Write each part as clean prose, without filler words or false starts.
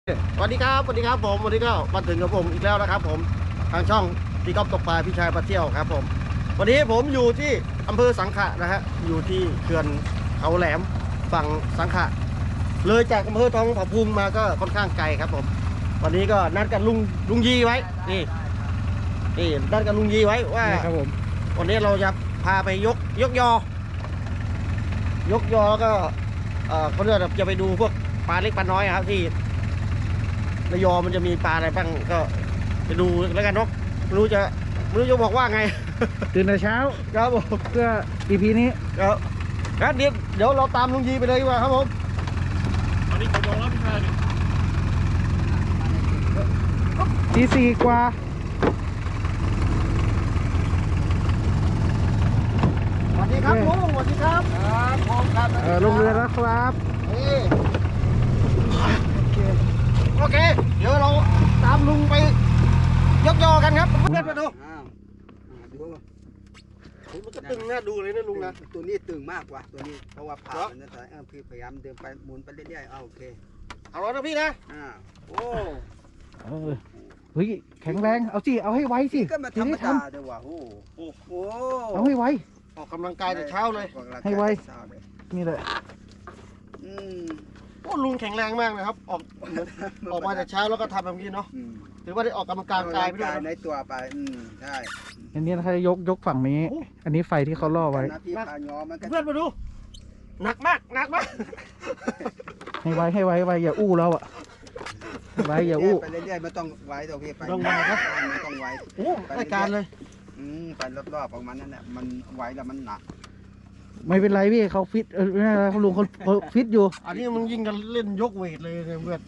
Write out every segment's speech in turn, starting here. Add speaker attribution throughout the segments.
Speaker 1: สวัสดีครับผมวันนี้ก็มาถึงกับผมอีกแล้วนะครับผมทางช่องพี่ก๊อฟตกปลาพี่ชายปลาเที่ยวครับผมวันนี้ผมอยู่ที่อำเภอสังขะนะฮะอยู่ที่เขื่อนเขาแหลมฝั่งสังขะเลยจากอำเภอทองผาภูมิมาก็ค่อนข้างไกลครับผมวันนี้ก็นัดกันลุงยีไว้นี่นัดกันลุงยีไว้ว่าครับผมวันนี้เราจะพาไปยกยอแล้วก็เขาเรียกจะไปดูพวกปลาเล็กปลาน้อยครับที่ระยองมันจะมีปลาอะไรบ้างก็ไปดูแล้วกันเนาะไม่รู้จะบอกว่าไง
Speaker 2: ตื่นแต่เช้า
Speaker 1: ครับผม
Speaker 2: เพื่อ EP นี้
Speaker 1: ครับงั้นเดี๋ยวเราตามลุงยีไปเลยดีกว่าครับผมอันนี้กี่โมงแล้วพี่ชาย
Speaker 2: ตีสี่กว่า
Speaker 1: สวัสดีครับลุงสวัสดีครับผมครับ
Speaker 2: ลงเรือแล้วครับ
Speaker 1: โอเคเดี๋ยวเราตามลุงไปยกยอกันครับเพื่อนมาดูมันก็ตึงน่าดูเลยนะลุงนะ
Speaker 3: ตัวนี้ตึงมากกว่าตัวนี้เพราะว่าผ่ามันนะแต่พี่พยายามเดินไปหมุนไปเรื่อยๆโอเค
Speaker 1: เอาแล้วนะพี่นะ
Speaker 3: โอ้
Speaker 2: เฮ้ยแข็งแรงเอาสิเอาให้ไวสิ
Speaker 3: ก็มาธรรมดาเดี๋ยวว่ะโอ้
Speaker 2: เอาให้ไว
Speaker 1: ออกกำลังกายแต่เช้าเลย
Speaker 2: ให้ไวนี่เลย
Speaker 1: โอ้ลุงแข็งแรงมากนะครับออกมาแต่เช้าแล้วก็ทำแบบนี้เนาะถือว่าได้ออกกำลังกายไปด้วย
Speaker 3: ในตัวไปใช่
Speaker 2: อันนี้ถ้ายกฝั่งนี้อันนี้ไฟที่เขาล่อไว้
Speaker 1: เพื่อนมาดูหนักมาก
Speaker 2: ให้ไวอย่าอู้แล้วอ่ะไวอย่าอู้
Speaker 3: ไปเรื่อยๆไม่ต้องไวตัวพี่ไป
Speaker 1: ต้องไวครับ
Speaker 3: ไม่ต้องไว
Speaker 1: โอ้รายการเลย
Speaker 3: ไปรอบๆประมาณนั้นแหละมันไวแล้วมันหนัก
Speaker 2: ไม่เป็นไรพี่เขาฟิตเขาลุงเขาฟิตอยู่
Speaker 1: อันนี้มันยิ่งกันเล่นยกเวทเลยเพื่อน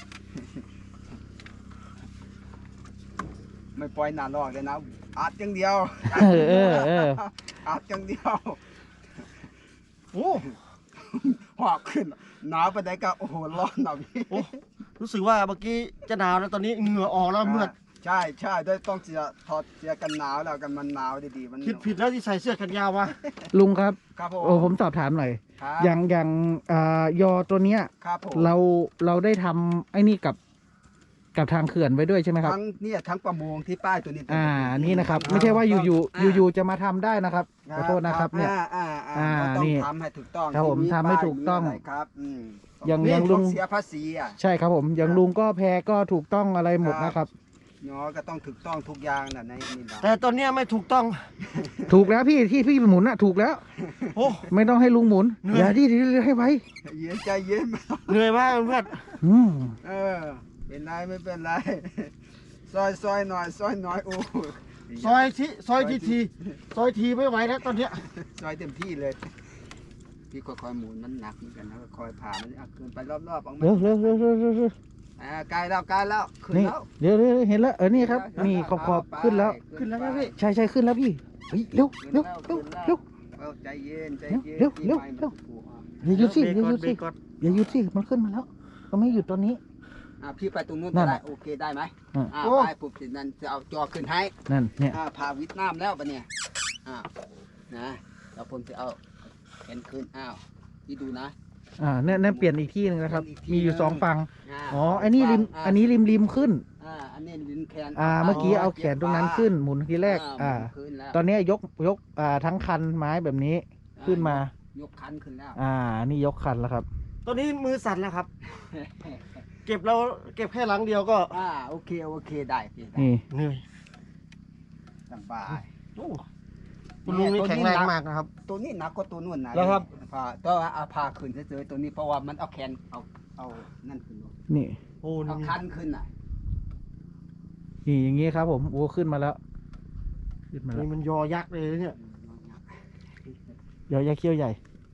Speaker 3: ไม่ปล่อยหนาลอกเลยนะอัดอย่างเดียวอัดอย่างเดียว
Speaker 1: โอ้
Speaker 3: หอบขึ้นหนาวไปไหนก็โอ้โหร้อนหนาวพี่
Speaker 1: รู้สึกว่าเมื่อกี้จะหนาวนะตอนนี้เหงื่อออกแล้วเมื่อ
Speaker 3: ใช่ด้วยต้องถอดเสื้อกันหนาวแล้วกันมันหนาวดีๆมัน
Speaker 1: ผิดแล้วที่ใส่เสื้อแขนยาววะ
Speaker 2: ลุงครับ
Speaker 3: ผม
Speaker 2: สอบถามหน่อยอย่างยอตัวเนี้ยเราได้ทำไอ้นี่กับทางเขื่อนไว้ด้วยใช่ไหมครับ
Speaker 3: ทั้งประมงที่ป้ายตัวนี้
Speaker 2: นี่นะครับไม่ใช่ว่าอยู่จะมาทำได้นะครับขอโทษนะครับเนี่ย
Speaker 3: ต้องทำให้ถูกต้อง
Speaker 2: ครับผมทำให้ถูกต้อง
Speaker 3: ครับ
Speaker 1: อย่าง
Speaker 3: ลุงเสียภาษี
Speaker 2: ใช่ครับผมอย่างลุงก็แพก็ถูกต้องอะไรหมดนะครับ
Speaker 3: เนาะก็ต้องถูกต้องทุกอย่างนะในนี่
Speaker 1: แต่ตอนนี้ไม่ถูกต้อง
Speaker 2: ถูกแล้วพี่หมุนน่ะถูกแล้ว
Speaker 1: โอ้
Speaker 2: ไม่ต้องให้ลุงหมุนอย่าที่ให้ไว้
Speaker 3: เย็นใจเย็น
Speaker 1: เหนื่อยมากเพื่อน
Speaker 3: เป็นไรไม่เป็นไรซอยหน่อยโอ้
Speaker 1: ซอยทีไม่ไหวแล้วตอนเนี้ย
Speaker 3: ซอยเต็มที่เลยพี่คอยหมุนมันหนักเหมือนกันนะคอยผ่ามันเกินไปรอบๆออกมา
Speaker 2: เร็ว
Speaker 3: ใกล้แล้วขึ้นแล้ว
Speaker 2: เดี๋ยวเห็นแล้วนี่ครับนี่ขอบขึ้นแล้ว
Speaker 1: นะพี่
Speaker 2: ใช่ขึ้นแล้วพี่เร็ว
Speaker 3: ใจเย็น
Speaker 2: อย่าหยุดสิมันขึ้นมาแล้วก็ไม่หยุดตอนนี้
Speaker 3: พี่ไปตรงนู้นได้โอเคได้ไหมไปปุ๊บสินั้นจะเอาจอขึ้นให้
Speaker 2: นั่นเนี่ย
Speaker 3: พาวิทน้ำแล้วปะเนี่ยนะแล้วผมจะเอาเห็นขึ้นพี่ดูนะ
Speaker 2: เนี่ยเปลี่ยนอีกที่นึงนะครับมีอยู่2ฝั่งอันนี้ริมขึ้น
Speaker 3: อันนี้ริมแขน
Speaker 2: เมื่อกี้เอาแขนตรงนั้นขึ้นหมุนทีแรกตอนนี้ยกทั้งคันไม้แบบนี้ขึ้นม
Speaker 3: ายกคันขึ้นแล้ว
Speaker 2: นี่ยกคันแล้วครับ
Speaker 1: ตอนนี้มือสั่นแล้วครับเก็บแค่หลังเดียวก็
Speaker 3: โอเคได้พี่
Speaker 2: นี่
Speaker 1: เหนื่อย
Speaker 3: สบาย
Speaker 1: คุณลุงนี่แข็งแรงมากนะครับ
Speaker 3: ตัวนี้หนักกว่าตัวนู้นนะ
Speaker 1: แล้วครับ
Speaker 3: ต้องเอาพาขึ้นเฉยๆตัวนี้เพราะว่ามันเอาแขนเอานั่นขึ้น
Speaker 2: นี่
Speaker 3: เอาคันขึ้น
Speaker 2: นี่อย่างงี้ครับผมขึ้นมาแล้ว
Speaker 1: นี่มันยอยักษ์เลยเนี่ย
Speaker 2: ยอยักษ์เขี้ยวใหญ่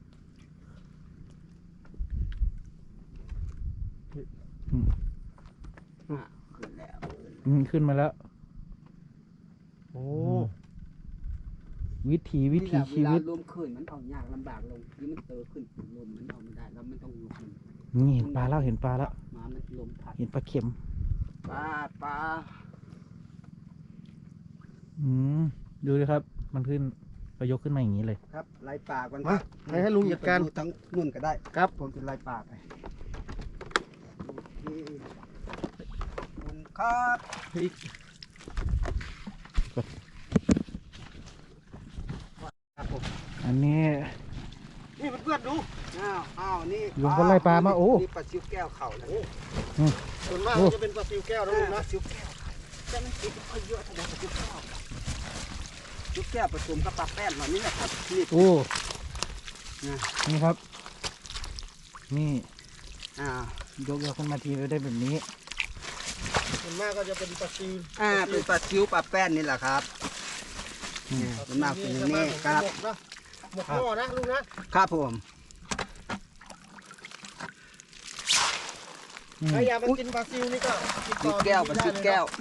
Speaker 2: ขึ้นมาแล้ว
Speaker 1: โอ้
Speaker 2: วิถีชีวิต
Speaker 3: ลมขึ้นมันเอายากลำบากลงที่มันเตอขึ้นลมมันเอาไม่ได้แล้วมันต้องลง
Speaker 2: นี่เห็นปลาแล้วมา
Speaker 3: มันลมพัด
Speaker 2: เห็นปลาเข็ม
Speaker 3: ปลา
Speaker 2: ดูเลยครับมันขึ้นก็ยกขึ้นมาอย่างนี้เลย
Speaker 3: ครับไล่ปลากัน
Speaker 1: ให้ลุงจัดการ
Speaker 3: ทั้งนุ่นก็ได้
Speaker 1: ครับ
Speaker 3: ผมจะไล่ปลาไปครับ
Speaker 2: อันนี้
Speaker 1: นี่เพื่อนๆดู
Speaker 3: อ้าวนี่
Speaker 2: ลุงก็ไล่ปลามาโอ้
Speaker 3: นี่ปลาซิวแก้วเข่าแล้ว
Speaker 1: ส่วนมากจะเป็นปลาซิวแก้วนะลุง
Speaker 3: ป
Speaker 1: นะ
Speaker 3: ลาซิวแก้วแต่มันติดค่อยเยอะเท่าไหร่ปลาซิวแก้วซิวแก้วผสมกับปลาแป้นแบบนี้แหละครับนี่
Speaker 2: โอ้
Speaker 3: นะ
Speaker 2: นี่ครับ นี่
Speaker 3: อ่าย
Speaker 2: กขึ้นมาทีก็ได้แบบนี้
Speaker 1: ส่วนมากก็จะเป็นปลาซิว
Speaker 3: เป็นปลาซิวปลาแป้นนี่แหละครับมันมากเป็นอย่างนี้ครับ
Speaker 1: หมกหม้อนะลุงนะครับ
Speaker 3: ผม
Speaker 1: ใครอยากมากินปลาซิวนี่ก็ติด
Speaker 3: ซิ
Speaker 1: ต่
Speaker 3: ว
Speaker 1: อ
Speaker 3: แก้วปลาซิวแก้ว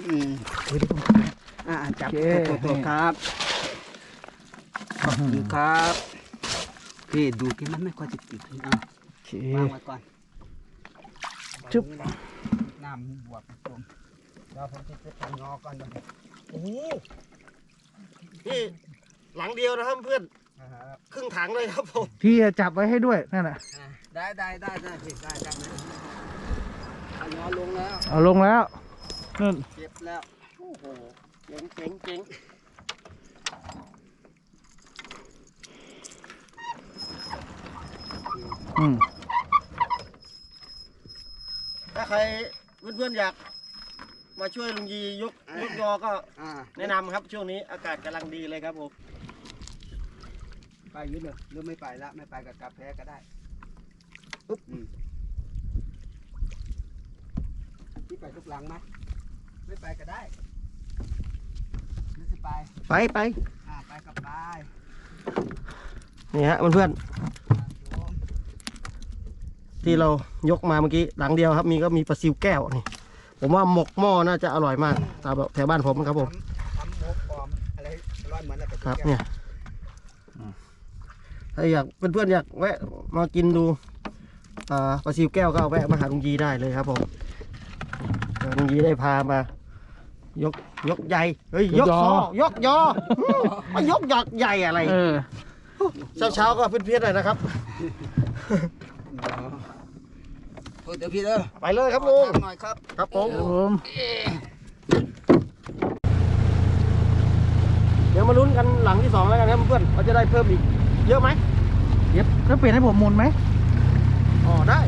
Speaker 3: จับตัวครับขอบคุณครับพี่ดูกินมันไม่ค่อยจะติด
Speaker 2: โอเค
Speaker 3: วางไว้ก่อน
Speaker 2: จุ๊บ
Speaker 3: น้ำบวกผสมแล้วผมจะไปงอก่อนเดี๋ยว
Speaker 1: โอ้โหนี่หลังเดียวนะครับเพื่อนครึ่งถังเลยครับผม
Speaker 2: พี่จับไว้ให้ด้วยนั่นน่ะ
Speaker 3: ได้พี่ได้เอางอลงแล้ว
Speaker 2: เอาลงแล้วนั่น
Speaker 3: เจ็บแล้ว
Speaker 1: โอ้โหเจ๋งเจ๋งเจ๋งถ้าใครเพื่อนๆอยากมาช่วยลุงยียกยอก็แนะนำครับช่วงนี้อากาศกำลังดีเลยครับผม
Speaker 3: ไปยืดเลยหรือไม่ไปละไม่ไปกับกาแฟก็ได้ปุ๊บพี่ไปทุกหลังไหมไม่ไปก็ได้หรือจะไป
Speaker 1: ไป
Speaker 3: ไปกับไป
Speaker 1: นี่ฮะเพื่อนๆที่เรายกมาเมื่อกี้หลังเดียวครับก็มีปลาซิวแก้วนี่ผมว่าหมกหม้อน่าจะอร่อยมากตามแบบแถวบ้านผมครับผม
Speaker 3: ทำหมกปลอมอะไรร้อยเหมือนอะไร
Speaker 1: ครับเนี่ยถ้าอยากเพื่อนๆอยากแวะมากินดูปลาซิวแก้วก็แวะมาหาลุงยีได้เลยครับผมลุงยีได้พามายกใหญ่เฮ้ยยกซอยกยอมายกใหญ่อะไรเช้าก็เพื่อนๆหน่อยนะครับ
Speaker 3: เดี๋ยวพี่เด้อ
Speaker 1: ไปเลยครับลุง
Speaker 3: หน่อยครับ
Speaker 1: ครับผม เดี๋ยวมาลุ้นกันหลังที่2แล้วกันครับเพื่อนว่าจะได้เพิ่มอีกเยอะไหม
Speaker 2: เย็บแล้วเปลี่ยนให้ผมหมุนไหม
Speaker 1: อ๋อได้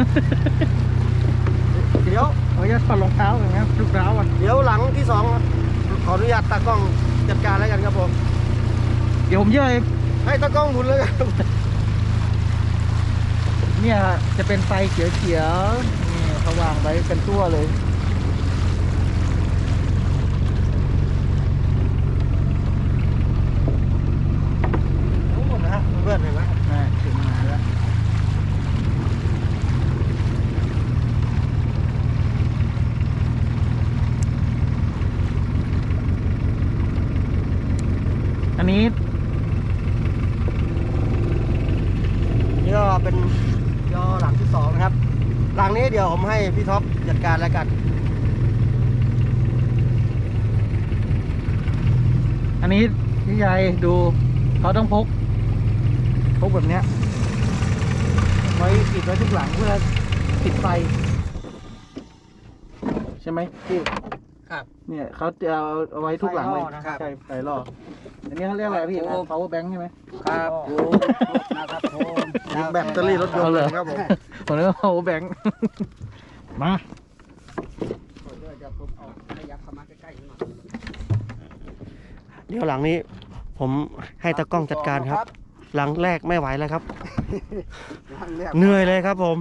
Speaker 1: เดี๋ยว
Speaker 2: เอาจะถอดรองเท้าอย่างเงี้ยลูกเท้าก่อน
Speaker 1: เดี๋ยวหลังที่2ขออนุญาตตากล้องจัดการแล้วกันครับผม
Speaker 2: เดี๋ยวผมเยอะเอง
Speaker 1: ให้ตากล้องหมุนเลยครับ
Speaker 2: เนี่ยจะเป็นไฟเขียวๆนี่เขาวางไว้เป็นตัวเลย
Speaker 1: โอ้นะฮะเพื่อนเห็นไหม
Speaker 2: ถึงมาแล้วอันนี้
Speaker 1: นี่ก็เป็นยอหลังที่2นะครับหลังนี้เดี๋ยวผมให้พี่ท็อปจัดการแล้วกัน
Speaker 2: อันนี้พี่ใหญ่ดูเขาต้องพกแบบเนี้ยไว้ติดไว้ทุกหลังเพื่อติดไฟใช่ไหมพี่
Speaker 3: ครับ
Speaker 2: เนี่ยเขาจะเอาไว้ทุกหลังเลย
Speaker 3: นะครับ
Speaker 2: ใช่ไฟล่ออันนี้เขาเรียกอะไรพี่ power bank ใช่ไหม
Speaker 3: ครับผมนะครับผม
Speaker 1: ยิงแบตเตอรี่รถยนต์เลยครับผม
Speaker 2: ผมเรียกว่า power bank มา
Speaker 3: เดี๋ยวผมเอาขยับเข้ามาใกล้ๆหน่อย
Speaker 1: เดี๋ยวหลังนี้ผมให้ตากล้องจัดการครับ หลังแรกไม่ไหวแล้วครับ เหนื่อยเลยครับผม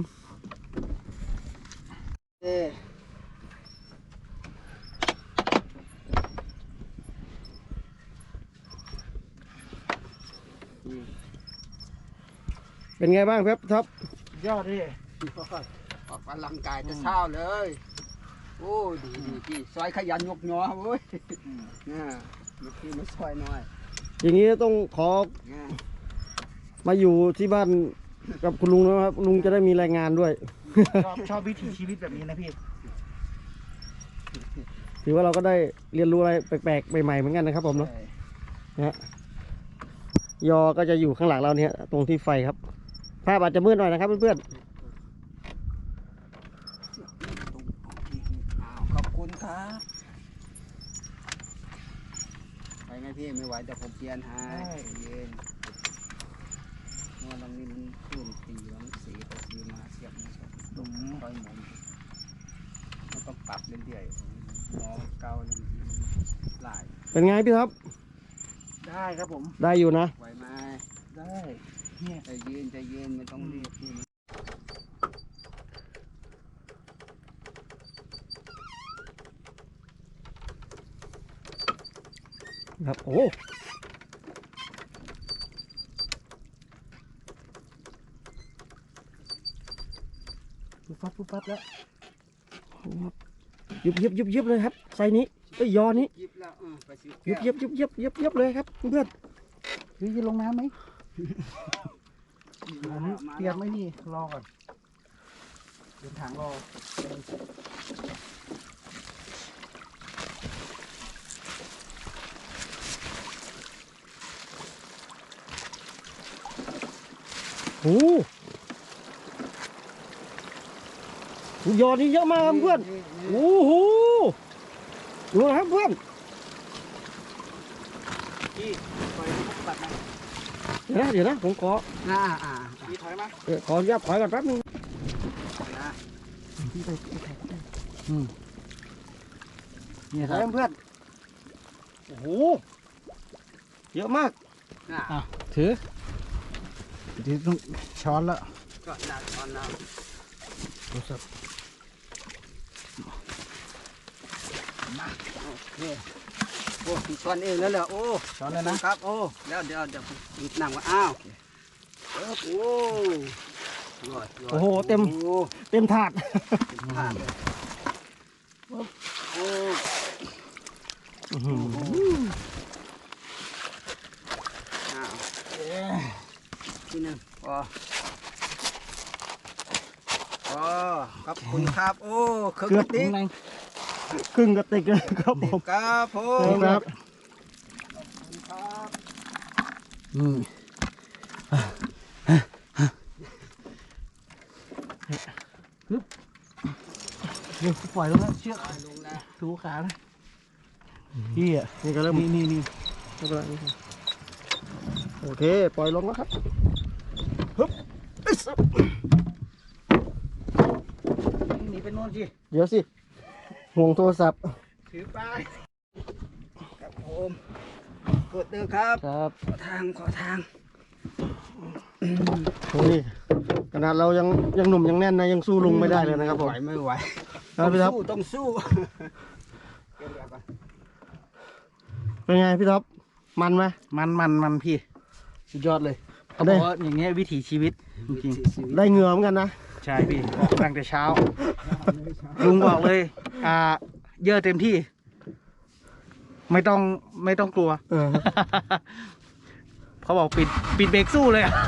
Speaker 1: เป็นไงบ้างครับท็อป
Speaker 2: ยอดดิ
Speaker 3: ออกกำลังกายจะเช้าเลย โอ้ดีพี่ซอยขยันยกยอเว้ยเมื่อกี้มาซอยหน่อย
Speaker 1: อย่างนี้ต้องขอ
Speaker 3: เนี่ย
Speaker 1: มาอยู่ที่บ้านกับคุณลุงนะครับลุงจะได้มีรายงานด้วย
Speaker 2: ชอบวิถีชีวิตแบบนี้นะพี่
Speaker 1: ถือว่าเราก็ได้เรียนรู้อะไรแปลกๆใหม่ๆเหมือนกันนะครับผมเนาะนะฮะยอก็จะอยู่ข้างหลังเราเนี่ยตรงที่ไฟครับภาพอาจจะมืดหน่อยนะครับเพื่อน
Speaker 3: ขอบคุณค
Speaker 2: ครับ
Speaker 3: ไปไหมพี่ไม่ไหวเดี๋ยวผมเปลี่ยนให้เย็นเมื่อวันนี้มันขึ้นตีแล้วมันสีไปสีมาเสียบมาตรงค่อยหมุนมันต้องปรับเรื่อยๆล้อเก่าแล้วมันหลาย
Speaker 1: เป็นไงพี่ท็อป
Speaker 2: ได้ครับผม
Speaker 1: ได้อยู่นะ
Speaker 3: ไหวไหม
Speaker 2: ได้เนี่ย
Speaker 3: ใจเย็นใจเย็นไม่ต้องรีบพี่
Speaker 1: ครับโอ้ปุ๊บปั๊บแล้วยุบเลยครับไซนี้ไอ้ยยอนี้
Speaker 3: ยิบแล้วไปซื้อ
Speaker 1: ยุ
Speaker 3: แก้
Speaker 1: บ
Speaker 3: ว
Speaker 1: ยับเลยครับเพื่อน
Speaker 2: เฮ้ยจะลงน้ำไหม
Speaker 3: มา
Speaker 2: เตรียมไหมนี่รอก่อนเดินทางรอ
Speaker 1: โอ้ยอนี้เยอะมากครับเพื่อนโอ้โหดูนะครับเพื่อน
Speaker 3: พี่ปล่อยมันปัดนะ
Speaker 1: เดี๋ยวนะผมขอ
Speaker 3: พี่ถอยมา
Speaker 1: ขออนุญาตถอยก่อนแป๊บนึง
Speaker 3: นะ
Speaker 2: เนี่ยค
Speaker 1: ถ
Speaker 2: รั
Speaker 1: อย
Speaker 2: บ
Speaker 1: เพื่อนโอ้โหเยอะมาก
Speaker 3: น่ะ
Speaker 2: ถือเดี๋ยวต้องช้อนละ
Speaker 3: ก็หนักตอนน้
Speaker 2: โทรศัพท์
Speaker 3: ำมาโอเคโอ้พี่ช้อนเองแล้วเหรอโอ้
Speaker 2: ช้อนเลยนะครับ
Speaker 3: โอ้แล้วเดี๋ยวผมหยิบน้ำมาอ้าวโอ้ยอด
Speaker 1: โอ้โหเต็มถาด
Speaker 3: ผ่านเลยโอ้อ้าวทีหนึ่งพอขอบคุณครับโอ้เครื่อง
Speaker 1: เกือบ
Speaker 3: ติ๊ก
Speaker 1: ครึ่งกระติกเลยครับผม
Speaker 3: ครับผม
Speaker 1: ครับ
Speaker 3: ครับ
Speaker 2: อืมฮึบเดี๋ยวปล่อยลงแล้วเชือก
Speaker 3: ลงแล้ว
Speaker 2: ถูขาเลยพี่อ่ะ
Speaker 1: นี่ก็เริ่ม
Speaker 2: นี่
Speaker 1: ไม่เป็นไรไม่เป็นไรโอเคปล่อยลงแล้วครับฮึบอึ๊ส
Speaker 2: หนีไปโน่นสิ
Speaker 1: เดี๋ยวสิห่วงโทรศัพท์
Speaker 3: ถือไปครับผมกดเด้อครับ
Speaker 1: ครับ
Speaker 3: ขอทาง
Speaker 1: นี่ขนาดเรายังหนุ่มยังแน่นนะยังสู้ลุงไม่ได้เลยนะครับผม
Speaker 3: ไหวไม่ไหว
Speaker 1: ครับพี่ท็อป
Speaker 3: ต้องสู้เดี๋ยวก่อน
Speaker 1: เป็นไงพี่ท็อปมันไหม
Speaker 2: มันพี่สุดยอดเลยเขาบอกว่าอย่างเงี้ยวิถีชีวิตจริง
Speaker 1: ได้เหงื่อเหมือนกันนะ
Speaker 2: ๆใช่พี่ออกตั้งแต่เช้า ลุงบอกเลย เยอะเต็มที่ ไม่ต้องกลัว เขาบอกปิดเบรกสู้เลยอะ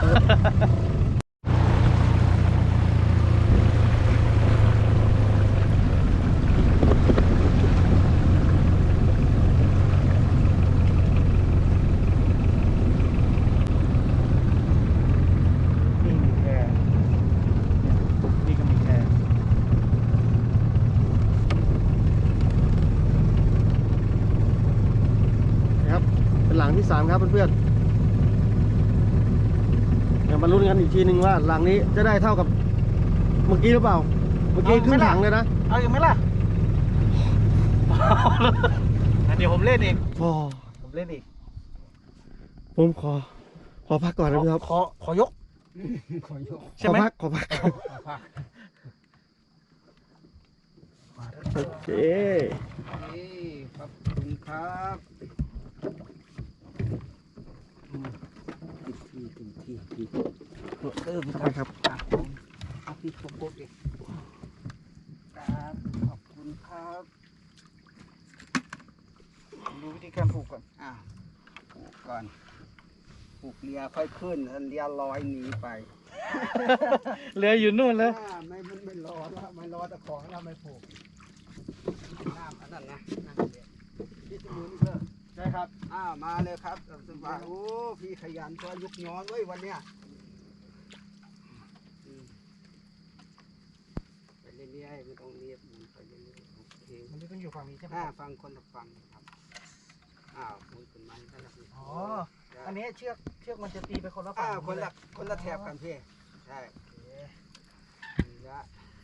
Speaker 2: นี่มีแพรนี่ก็มีแพร
Speaker 1: นะครับเป็นหลังที่ 3ครับเพื่อนๆเดี๋ยวมาลุ้นกันอีกทีหนึ่งว่าหลังนี้จะได้เท่ากับเมื่อกี้หรือเปล่าเมื่อกี้ครึ่งถังเลยนะ
Speaker 2: เอาอีกไหมล่ะ เดี๋ยวผมเล่นเอง
Speaker 1: โอ้
Speaker 2: ผมเล่นอีก
Speaker 1: ผมขอพักก่อนนะพี่ท็อป
Speaker 2: ขอยก
Speaker 3: ขอยก
Speaker 2: ใช่ไหม
Speaker 1: ขอพักโอเค
Speaker 3: นี่ขอบคุณครับที่
Speaker 1: ครับ
Speaker 3: เอาพี่โกดเองครับขอบคุณครับ
Speaker 2: ดูวิธีการผูกก่อน
Speaker 3: ผูกก่อนผูกเรือค่อยขึ้นแล้วเรือลอยหนีไป
Speaker 2: เรืออยู่นู่นแล้ว
Speaker 3: ไม่รอแล้วไม่รอแต่ของเราไม่ผูกน้ำอันนั้นนะน้ำเด็ดที่จะมือนี่เพิ่ม
Speaker 1: ใช่ครับ
Speaker 3: มาเลยครับสบายโอ้พี่ขยันตัวยุกย้อนเว้ยวันเนี้ยไปเรื่อยๆไม่ต้องเรียบมันไปเรื่อยๆโอเค
Speaker 1: มันต้องอยู่
Speaker 2: อยู่ฝั่งนี้ใช่ไหม
Speaker 3: ฟังคนละฝั่งครับหมุนขึ้นมาให้แล้วพี่
Speaker 2: อ๋ออันนี้เชือกมันจะตีไปคนละฝั่ง
Speaker 3: คนละแถบกันพี่ใช่นี่ละ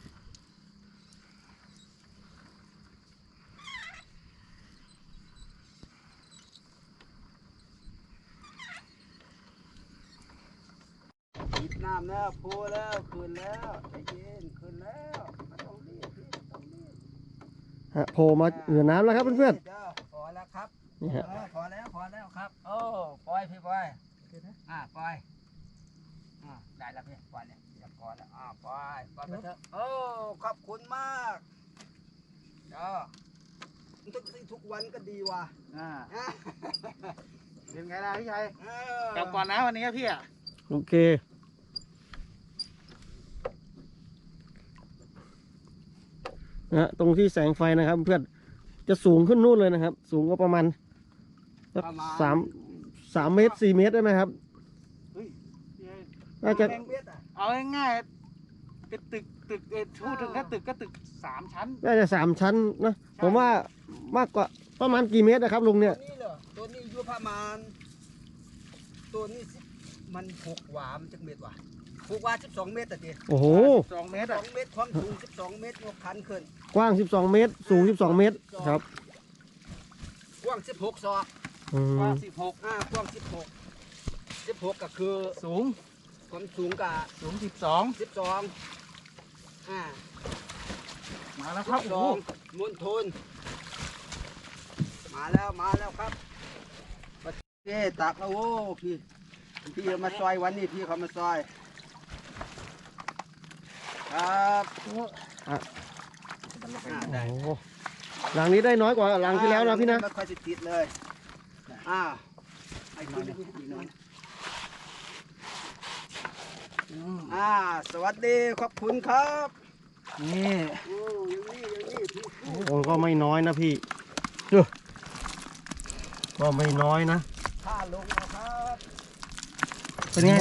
Speaker 3: ปิดน้ำแล้วพูแล้วคืนแล้วใจเย็นคืนแล้วไม่ต้องรีบพี่ไม่ต้องรีบ
Speaker 1: โผล่มาเหนือน้ำแล้วครับเพื่อน
Speaker 3: พอแล้วครับ
Speaker 1: ๆนี่ฮะ
Speaker 3: พอแล้วครับโอ้ปล่อยพี่ปล่อยปล่อยได้แล้วพี่ปล่อยเนี่ยอย่าพอแล้วปล่อยไปเถอะโอ้ขอบคุณมากทุกวันก็ดีว่ะ
Speaker 2: เป็นไงล่ะพี่ชัย
Speaker 3: เออก
Speaker 2: ลับก่อนนะวันนี้พี่อ่ะ
Speaker 1: โอเคนะฮะตรงที่แสงไฟนะครับเพื่อนจะสูงขึ้นนู่นเลยนะครับ สูงก็ประมาณสัก3 เมตร 4 เมตรได้ไหมครับน่าจะ
Speaker 3: แมงเบ็ดอ่ะ
Speaker 2: เอาง่ายๆเป็นตึกพูดถึงแค่ตึกก็ตึก3 ชั้น
Speaker 1: น่าจะ3 ชั้นนะผมว่ามากกว่าประมาณกี่เมตรนะครับลุงเนี่ย
Speaker 3: ตัวนี้เหรอตัวนี้อยู่ประมาณตัวนี้มัน6 หวามจักเม็ดว่ะ6 หวา12 เมตรแต่ที
Speaker 1: โอ้โห
Speaker 2: 2 เมตรอ่ะ
Speaker 3: 2 เมตรความสูง12 เมตรยกคันขึ้น
Speaker 1: กว้าง12 เมตร สูง12 เมตรครับ
Speaker 3: กว้าง16 ศอก
Speaker 1: อื
Speaker 2: กว้าง
Speaker 1: ม
Speaker 3: กว้าง16ก็คือ
Speaker 2: สูง
Speaker 3: ความสูงกับ
Speaker 2: สูง
Speaker 3: 12
Speaker 2: มาแล้วครับโอ้โห
Speaker 3: 12มณฑลมาแล้วครับพี่ตักแล้วโอ้พี่มาซอยวันนี้พี่เขามาซอยครับได้
Speaker 1: โอ้โหหลังนี้ได้น้อยกว่าหลังที่แล้วนะพี่นะ
Speaker 3: ไม่ค่อยจะติดเลยไอ้พี่อีกหน่อยสวัสดีขอบคุณครับ
Speaker 2: นี่
Speaker 3: โอ้อย่างนี้พี่
Speaker 1: โอ้ก็ไม่น้อยนะพี่ก็ไม่น้อยนะ
Speaker 3: ข้าลงนะครับ
Speaker 2: เป็นไง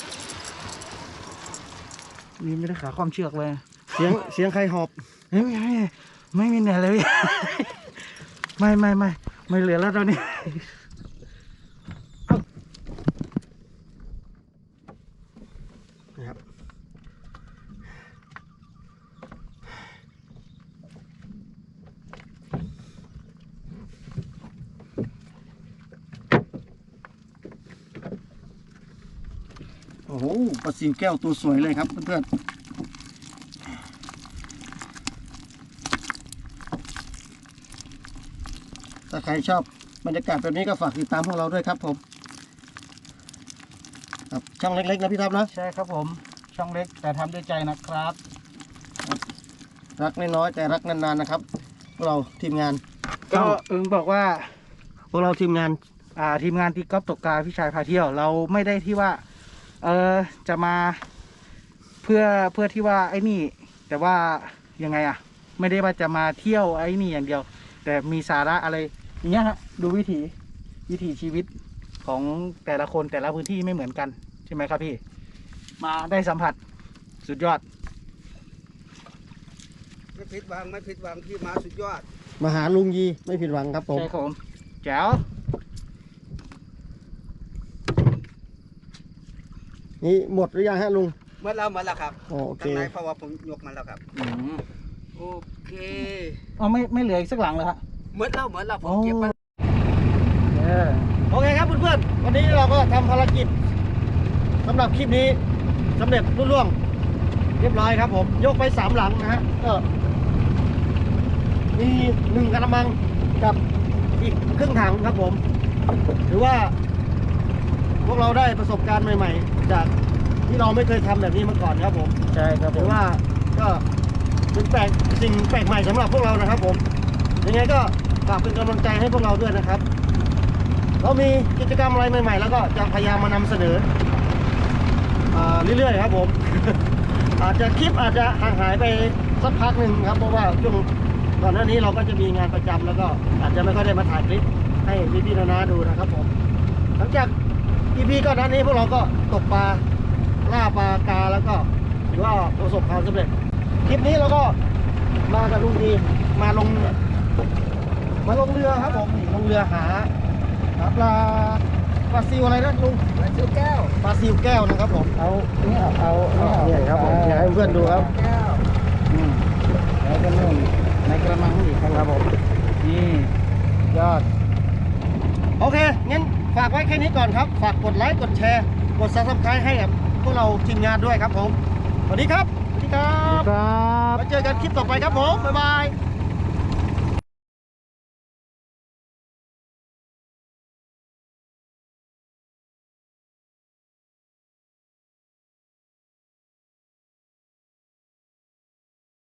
Speaker 2: นี่ไม่ได้ขาความเชือกเลย
Speaker 1: เสียงใครหอบ
Speaker 2: ไม่มีเหนื่อยเลยพี่ ไม่เหลือแล้วตอนนี้
Speaker 1: นะครับโอ้โหปลาซิวแก้วตัวสวยเลยครับเพื่อนๆถ้าใครชอบบรรยากาศแบบนี้ก็ฝากติดตามพวกเราด้วยครับผมครับช่องเล็กๆนะพี่ทับนะ
Speaker 2: ใช่ครับผมช่องเล็กแต่ทำด้วยใจนะครับ
Speaker 1: รักน้อยๆแต่รักนานๆนะครับพวกเราทีมงาน
Speaker 2: ก็อึงบอกว่า
Speaker 1: พวกเราทีมงาน
Speaker 2: ทีมงานตีกอล์ฟตกปลาพี่ชายพาเที่ยวเราไม่ได้ที่ว่าจะมาเพื่อที่ว่าไอ้นี่ แต่ว่ายังไงอะไม่ได้ว่าจะมาเที่ยวไอ้นี่อย่างเดียว แต่มีสาระอะไรอย่างเงี้ยฮะดูวิถีชีวิตของแต่ละคนแต่ละพื้นที่ไม่เหมือนกันใช่ไหมครับพี่มาได้สัมผัสสุดยอด
Speaker 3: ไม่ผิดหวังพี่มาสุดยอด
Speaker 1: มาหาลุงยีไม่ผิดหวังครับผม
Speaker 2: ใช่ครับผมแจ๋ว
Speaker 1: นี่หมดหรือยังฮะลุง
Speaker 3: หมดแล้วครับ
Speaker 1: โอเค
Speaker 3: ข้างในเพราะว่าผมยกมาแล้วครับโอเค
Speaker 2: เอาไม่เหลืออีกสักหลังเลยฮะ
Speaker 3: หมดแล้วผมเก็บมา
Speaker 1: โอเคครับเพื่อนๆวันนี้เราก็ทำภารกิจสำหรับคลิปนี้สำเร็จรุ่ล่วงเรียบร้อยครับผมยกไป3 หลังนะฮะก็มี1 กระมังกับอีกครึ่งถังครับผมถือว่าพวกเราได้ประสบการณ์ใหม่ๆจากที่เราไม่เคยทำแบบนี้มาก่อนครับผม
Speaker 2: ใช่ครับผ
Speaker 1: ถื
Speaker 2: ม
Speaker 1: อว่าก็เป็นสิ่งแปลกใหม่สำหรับพวกเรานะครับผมยังไงก็ฝากเป็นกำลังใจให้พวกเราด้วยนะครับเรามีกิจกรรมอะไรใหม่ๆแล้วก็จะพยายามมานำเสนอเรื่อยๆครับผม อาจจะคลิปอาจจะห่างหายไปสักพักหนึ่งครับเพราะว่าช่วงก่อนหน้านี้เราก็จะมีงานประจำแล้วก็อาจจะไม่ค่อยได้มาถ่ายคลิปให้พี่ๆนาๆดูนะครับผมหลังจาก EP ก่อนหน้านี้พวกเราก็ตกปลาล่าปลากาแล้วก็ถือว่าประสบความสำเร็จคลิปนี้เราก็มากับลุงดีมาลงมาลงเรือครับผมนี่ลงเรือหาปลาซิวอะไรนะลุง
Speaker 3: ปลาซิวแก้ว
Speaker 1: ปลาซิวแก้วนะครับผม
Speaker 2: เอาเนี่ยเอาเนี่ย
Speaker 1: เนี่ยครับผมอยากให้เพื่อนดูครับ
Speaker 3: แก้ว
Speaker 2: อืมแล้วก็นู่นในกระมังอีกครับผมนี่
Speaker 1: ยอดโอเคงั้นฝากไว้แค่นี้ก่อนครับฝากกดไลค์กดแชร์กด Subscribe ให้กับพวกเราทีมงานด้วยครับผมสวัสดีครับสวัสดีครับ
Speaker 2: ครับ
Speaker 1: มาเจอกันคลิปต่อไปครับผมบ๊ายบาย